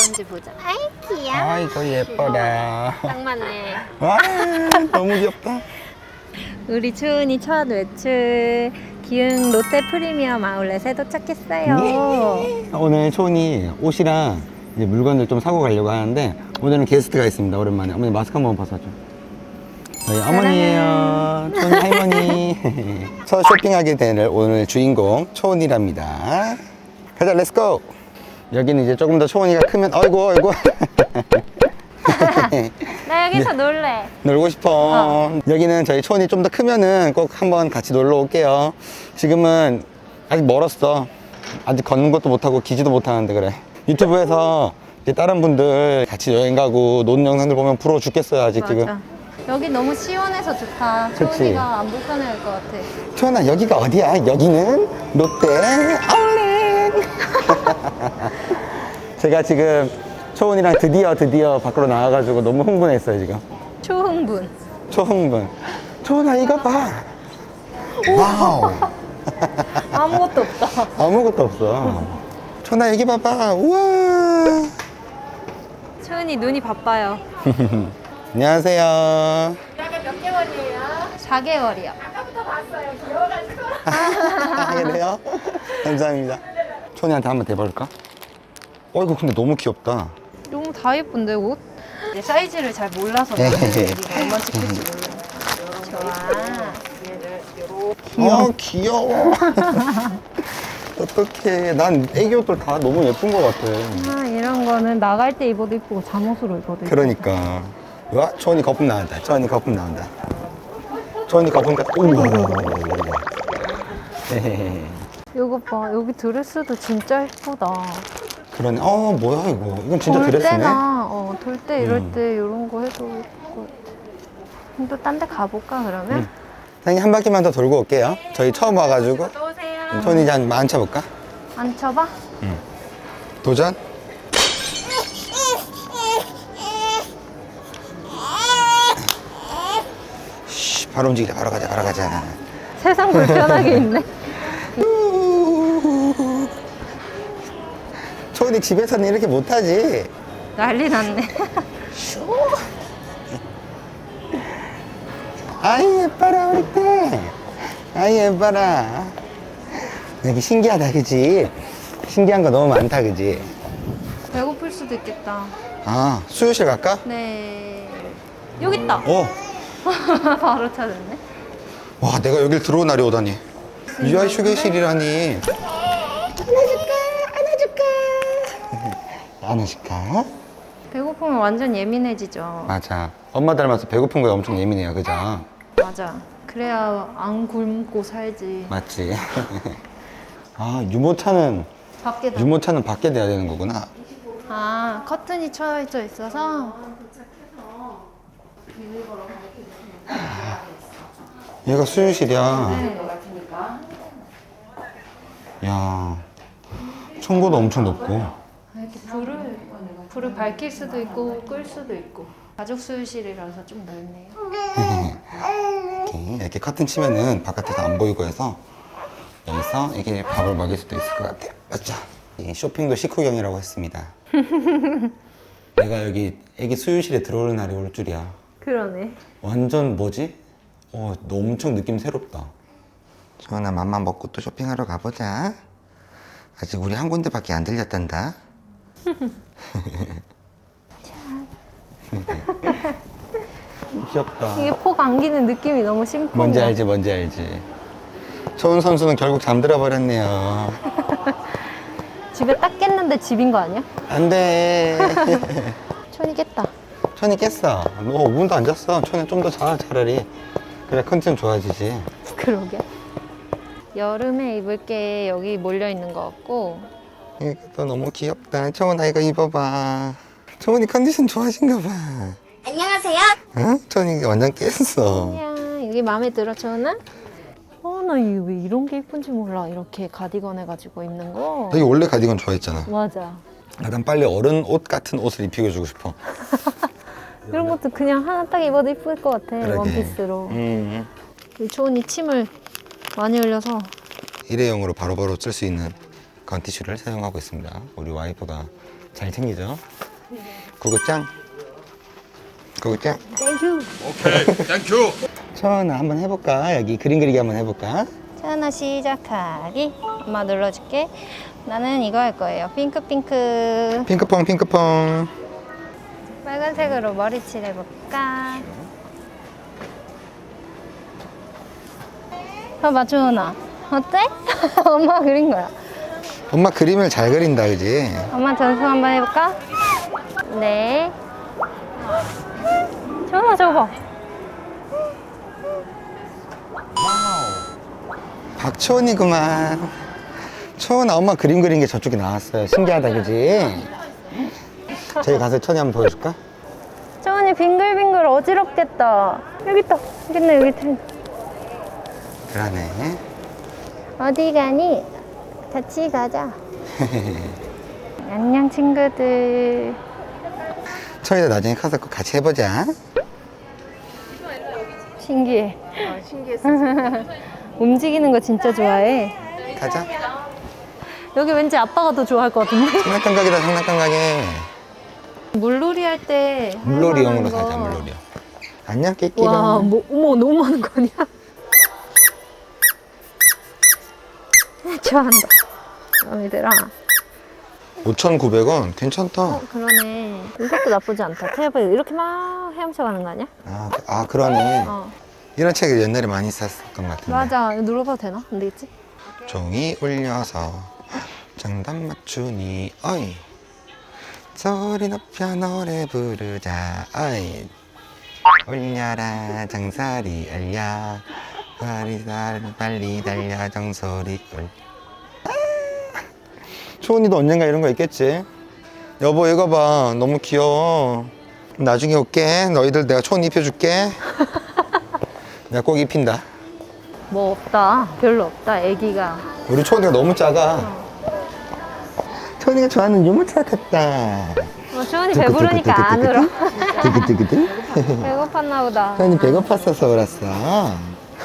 건지 보자. 아이 귀여워. 아이고 예뻐라. 딱 맞네. 와 너무 귀엽다. 우리 초은이 첫 외출 기흥 롯데 프리미엄 아울렛에 도착했어요. 오늘 초은이 옷이랑 이제 물건들 좀 사고 가려고 하는데 오늘은 게스트가 있습니다. 오랜만에 어머니 마스크 한번 벗어줘. 저희 어머니예요. 초은이 할머니. 첫 쇼핑하게 될 오늘 주인공 초은이랍니다. 가자 렛츠고. 여기는 이제 조금 더 초은이가 크면 어이구 나 여기서 놀래. 놀고 싶어. 여기는 저희 초은이 좀 더 크면은 꼭 한번 같이 놀러 올게요. 지금은 아직 멀었어. 아직 걷는 것도 못하고 기지도 못하는데 그래. 유튜브에서 이제 다른 분들 같이 여행 가고 노는 영상들 보면 부러워 죽겠어요 아직 맞아. 지금. 여기 너무 시원해서 좋다. 그치. 초은이가 안 불편해할 것 같아. 초은아 여기가 어디야? 여기는 롯데 아울렛. 제가 지금 초은이랑 드디어 밖으로 나와가지고 너무 흥분했어요 지금. 초흥분. 초흥분. 초은아 이거 봐. 와우. 아무것도 없다. 아무것도 없어. 초은아 여기 봐봐. 우와. 초은이 눈이 바빠요. 안녕하세요. 몇 개월이에요? 4개월이요. 아까부터 봤어요. 귀여워가지고. 그래요? 감사합니다. 초은이한테 한번 대볼까? 이거 근데 너무 귀엽다. 너무 다 예쁜데 옷? 이제 사이즈를 잘 몰라서 네. 여기가 얼마 찍힐지 몰라. 좋아. 귀여워. 어떡해. 난 애기 옷들 다 너무 예쁜 것 같아. 아, 이런 거는 나갈 때 입어도 이쁘고 잠옷으로 입어도 이쁘고. 그러니까. 와, 초은이 거품 나온다. 초은이 거품 나온다. 초은이 거품 같다. 이거 봐. 여기 드레스도 진짜 예쁘다. 그러네. 뭐야 이거. 이건 진짜 돌 드레스네. 때나 돌 때 이럴 때 이런 거 해도 예쁠 것 같아. 또 딴 데 가볼까 그러면? 사장님 한 바퀴만 더 돌고 올게요. 저희 처음 와가지고. 또 오세요. 초은이 이제 한번 앉혀볼까? 앉혀봐. 도전? 쉬, 바로 움직이자. 바로 가자. 세상 불편하게 있네. 초은이 집에서는 이렇게 못하지. 난리 났네. 아이 예뻐라 우리 딸. 아이 예뻐라. 여기 신기하다 그지? 신기한 거 너무 많다 그지? 배고플 수도 있겠다. 수유실 갈까? 네. 여기 있다. 바로 찾았네. 와 내가 여길 들어온 날이 오다니. 유아 휴게실이라니. 안아줄까? 배고프면 완전 예민해지죠. 맞아. 엄마 닮아서 배고픈 거에 엄청 예민해요 그죠? 맞아. 그래야 안 굶고 살지. 맞지? 유모차는 밖에다. 밖에 돼야 되는 거구나. 커튼이 쳐져 있어서. 얘가 수유실이야. 야, 청고도 엄청 높고. 이렇게 불을 밝힐 수도 있고 끌 수도 있고. 가족 수유실이라서 좀 넓네요. 이렇게 커튼 치면은 바깥에서 안 보이고 해서 여기서 이게 밥을 먹일 수도 있을 것 같아요. 맞죠? 이 쇼핑도 식후경이라고 했습니다. 내가 여기 애기 수유실에 들어오는 날이 올 줄이야. 그러네. 완전 뭐지? 너 엄청 느낌 새롭다. 소연아 맘만 먹고 또 쇼핑하러 가보자. 아직 우리 한 군데밖에 안 들렸단다. 귀엽다. 이게 폭 안기는 느낌이 너무 심쿵. 뭔지 알지. 초은 선수는 결국 잠들어 버렸네요. 집에 딱 깼는데 집인 거 아니야? 안 돼. 촌이 깼다. 천이 깼어. 너 5분도 안 잤어. 천이 좀 더 자, 차라리. 그래, 컨디션 좋아지지. 그러게. 여름에 입을 게 여기 몰려 있는 것 같고. 이것도 너무 귀엽다. 초은아, 이거 입어봐. 초은이 컨디션 좋아진가 봐. 안녕하세요. 응? 초은이 완전 깼어. 야, 여기 마음에 들어, 초은아? 나 이게 왜 이런 게 예쁜지 몰라. 이렇게 가디건 해가지고 입는 거. 너 이거 원래 가디건 좋아했잖아. 맞아. 난 빨리 어른 옷 같은 옷을 입히고 싶어. 이런 것도 그냥 하나 딱 입어도 예쁠 것 같아. 그러게. 원피스로. 우리 초은이 침을 많이 흘려서. 일회용으로 바로바로 쓸 수 있는 건티슈를 사용하고 있습니다. 우리 와이프가 잘 챙기죠. 구구짱. 구구짱. 땡큐. 오케이, 땡큐. 천아 한번 해볼까? 여기 그림 그리기 한번 해볼까? 하나 시작하기. 엄마 눌러줄게. 나는 이거 할 거예요. 핑크핑크. 핑크퐁 핑크퐁. 빨간색으로 머리 칠해볼까? 봐봐, 주은아. 어때? 엄마 그린 거야. 엄마 그림을 잘 그린다, 그지? 엄마 전송 한번 해볼까? 네. 주은아, 저거 봐. 박초은이구만. 초은아, 엄마 그림 그린 게 저쪽에 나왔어요. 신기하다, 그지? 저기 가서 천이 한번 보여줄까? 주은이 빙글빙글 어지럽겠다. 여기 있다. 여기 있네, 여기 있네. 그러네. 어디 가니? 같이 가자. 안녕, 친구들. 천이도 나중에 커서 꼭 같이 해보자. 신기해. 신기했어. 움직이는 거 진짜 좋아해. 가자. 여기 왠지 아빠가 더 좋아할 것 같은데? 장난감 가게다, 장난감 가게. 물놀이 할 때. 물놀이용으로 사자, 물놀이용. 안녕, 끼끼랑. 와, 뭐, 어머, 너무 많은 거 아니야? 좋아한다. 마음에 들어. 5,900원? 괜찮다. 그러네. 이것도 나쁘지 않다. 테이블 이렇게 막 헤엄쳐 가는 거 아니야? 아, 그러네. 어. 이런 책을 옛날에 많이 샀었던 것 같은데. 맞아. 이거 눌러봐도 되나? 안 되겠지? 종이 울려서 정답 맞추니 어이 소리 높여 노래 부르자 어이 울려라 정소리 울려 빨리 달려 정소리 울 초은이도 언젠가 이런 거 있겠지. 여보 이거 봐 너무 귀여워. 나중에 올게. 너희들 내가 초은 입혀줄게. 내가 꼭 입힌다. 뭐 없다. 별로 없다. 애기가. 우리 초은이가 너무 작아. 초은이가 좋아하는 유모차 같다. 주원이 배부르니까 안 울어. 두구두구두. 배고팠나 보다. 초은이 배고팠어서 울었어.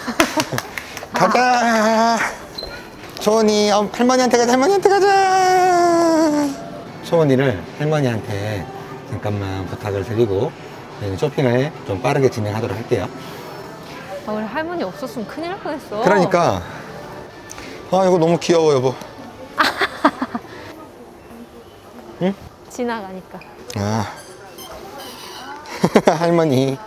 가자. 초은이 할머니한테 가자. 할머니한테 가자. 초은이를 할머니한테 잠깐만 부탁을 드리고 쇼핑을 좀 빠르게 진행하도록 할게요. 아, 우리 할머니 없었으면 큰일 날 뻔했어. 그러니까 이거 너무 귀여워 여보. 응? 지나가니까. 아 할머니.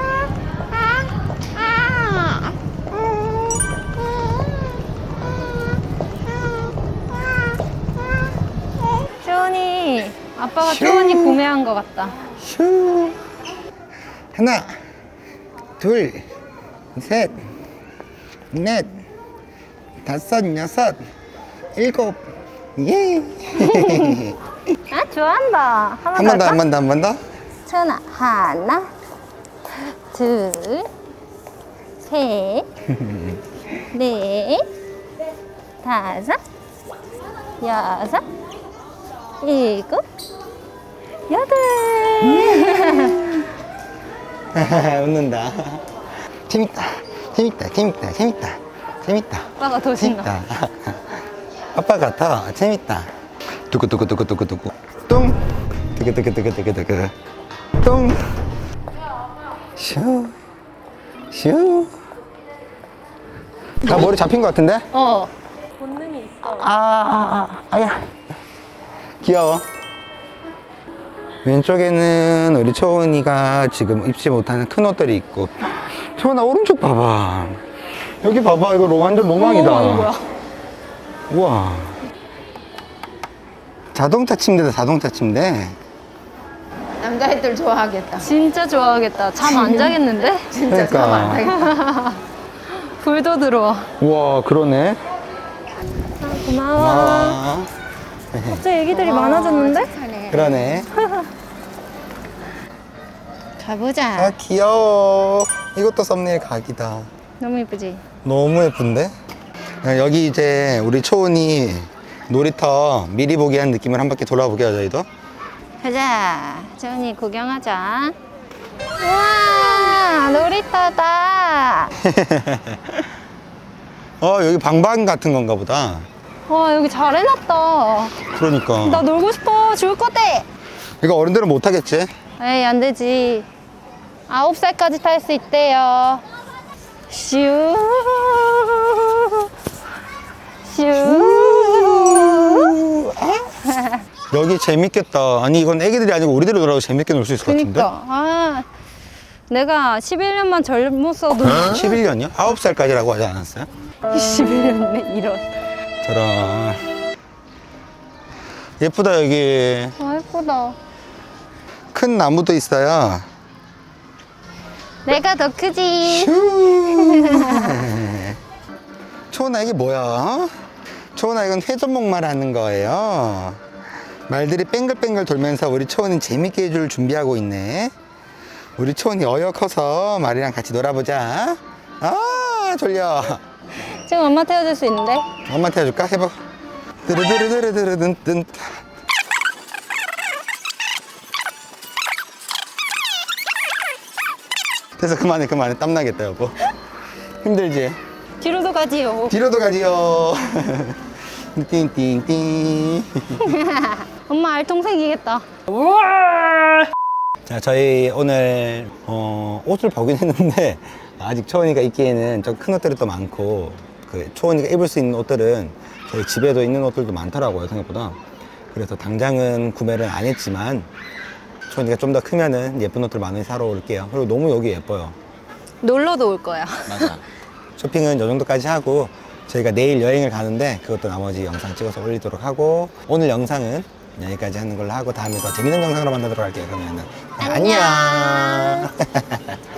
주원이 아빠가 주원이 구매한 거 같다. 슈. 하나 둘 셋 넷 다섯 여섯 일곱 예. 아 좋아한다. 한 번 더 한 번 더 한 번 더. 주원아 하나 둘 셋 넷 다섯 여섯 일곱 여덟. 웃는다. 재밌다. 재밌다. 재밌다. 재밌다. 재밌다. 아빠가 더 신나. 재밌다. 아빠 같아. 재밌다. 두구두구두구두구두구. 뚱. 두구두구두구두구두구. 뚱. 슈. 슈. 나 머리 잡힌 것 같은데? 본능이 있어. 아야. 귀여워. 왼쪽에는 우리 초은이가 지금 입지 못하는 큰 옷들이 있고. 초은아 오른쪽 봐봐. 여기 봐봐. 이거 완전 로망이다. 이거 뭐야? 우와. 자동차 침대다, 자동차 침대. 남자애들 좋아하겠다. 진짜 좋아하겠다. 잠 안 자겠는데? 진짜 그러니까. 잠안 자겠다. 불도 들어와. 우와, 그러네. 고마워. 아, 갑자기 애기들이 많아졌는데? 그러네. 가보자. 아, 귀여워. 이것도 썸네일 각이다. 너무 예쁘지? 너무 예쁜데? 여기 이제 우리 초은이 놀이터 미리 보기 한 느낌을 한 바퀴 돌아보게 하자, 저희도. 가자. 재훈이 구경하자. 우와, 놀이터다. 여기 방방 같은 건가 보다. 와, 여기 잘 해놨다. 그러니까. 나 놀고 싶어. 죽을 것 같아. 이거 어른들은 못 하겠지? 에이, 안 되지. 9살까지 탈 수 있대요. 슈. 슈. 여기 재밌겠다. 아니 이건 애기들이 아니고 우리들이 놀아도 재밌게 놀 수 있을 것 같은데? 그니까. 아, 내가 11년만 젊었어도 11년이요? 9살까지라고 하지 않았어요? 11년네, 이런. 저런. 예쁘다 여기. 아, 예쁘다. 큰 나무도 있어요. 내가 더 크지. 초은아 이게 뭐야? 초은아 이건 회전목마를 하는 거예요. 말들이 뱅글뱅글 돌면서 우리 초은이 재밌게 해줄 준비하고 있네. 우리 초은이 어여 커서 말이랑 같이 놀아보자. 아 졸려. 지금 엄마 태워줄 수 있는데? 엄마한테 해줄까? 해봐. 드르드르드르드르든. 됐어 그만해 땀나겠다 여보. 힘들지? 뒤로도 가지요. 뒤로도 가지요. 띵띵띵. 엄마 알통 생기겠다. 자 저희 오늘 옷을 보긴 했는데 아직 초원이가 입기에는 좀 큰 옷들이 또 많고 그 초원이가 입을 수 있는 옷들은 저희 집에도 있는 옷들도 많더라고요 생각보다. 그래서 당장은 구매를 안 했지만 초원이가 좀 더 크면은 예쁜 옷들 많이 사러 올게요. 그리고 너무 여기 예뻐요. 놀러도 올 거야. 맞아. 쇼핑은 이 정도까지 하고 저희가 내일 여행을 가는데 그것도 나머지 영상 찍어서 올리도록 하고 오늘 영상은 여기까지 하는 걸로 하고 다음에 더 재밌는 영상으로 만나도록 할게요. 그러면은 안녕.